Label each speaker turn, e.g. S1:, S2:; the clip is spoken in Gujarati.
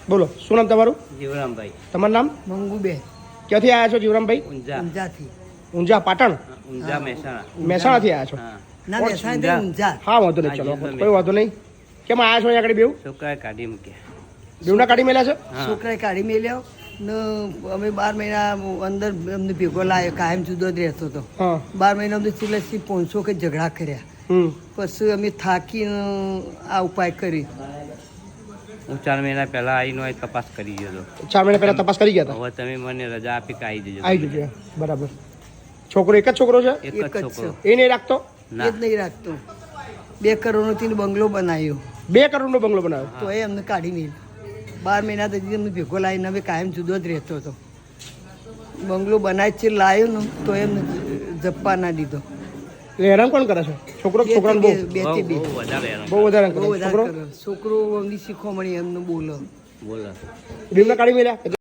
S1: બોલો શું નામ તમારું?
S2: જીવરામભાઈ.
S1: તમારું નામ?
S3: મંગુબેન.
S1: ક્યાંથી આવ્યા છો જીવરામભાઈ?
S3: ઊંઝાથી.
S1: ઊંઝા પાટણ?
S2: ઊંઝા મહેસાણા.
S1: મહેસાણાથી આવ્યા છો?
S2: હા.
S3: ના મહેસાણાથી ઊંઝા.
S1: હા વાંધો નહીં, ચલો કોઈ વાંધો નહીં. કેમ આવ્યા છો અહીંયા આગળ બેવ?
S2: છોકરાએ કાઢી મૂક્યા.
S1: બેવના કાઢી મેલ્યા છે?
S2: હા.
S3: છોકરાએ કાઢી મેલ્યો ને અમે 12 મહિના અંદર અમને ભેગો લાવ્યો, કાયમ જુદો જ રહેતો હતો.
S1: હા
S3: 12 મહિના અમને સિલેસથી 500 કે ઝઘડા કર્યા. પછી અમે થાકીને આ ઉપાય કરી.
S2: હું 4 મહિના પહેલા આવીને અહીં તપાસ કરી ગયો હતો.
S1: 4 મહિના પહેલા તપાસ કરી ગયા હતા?
S2: હવે તમે મને રજા આપી કે આવી જજો.
S1: આવી જજો. બરાબર. છોકરો એક જ છોકરો છે?
S2: એક જ છોકરો.
S1: એ નહીં રાખતો?
S3: એ જ નહીં રાખતો. 2 કરોડનો બંગલો બનાવ્યો.
S1: 2 કરોડનો બંગલો બનાવ્યો
S3: તો એ અમને કાઢી મેલ્યો. 12 મહિના પછી અમને ભેગો લાવીને અમે કાયમ જુદો જ રહેતો હતો. બંગલો બનાવી છે લાવ્યો ને તો એમને જપ્પા ના દીધો.
S1: એટલે હેરાન કોણ કરે છે? છોકરો છોકરાને બહુ
S2: બહુ વધારે હેરાન.
S1: બહુ વધારે
S3: બહુ
S1: કરે
S3: વધારે
S1: છોકરો?
S3: કરે. છોકરો અમની શીખવામણી એમને બોલો.
S2: બોલો.
S1: બેવના કાઢી મેલ્યા?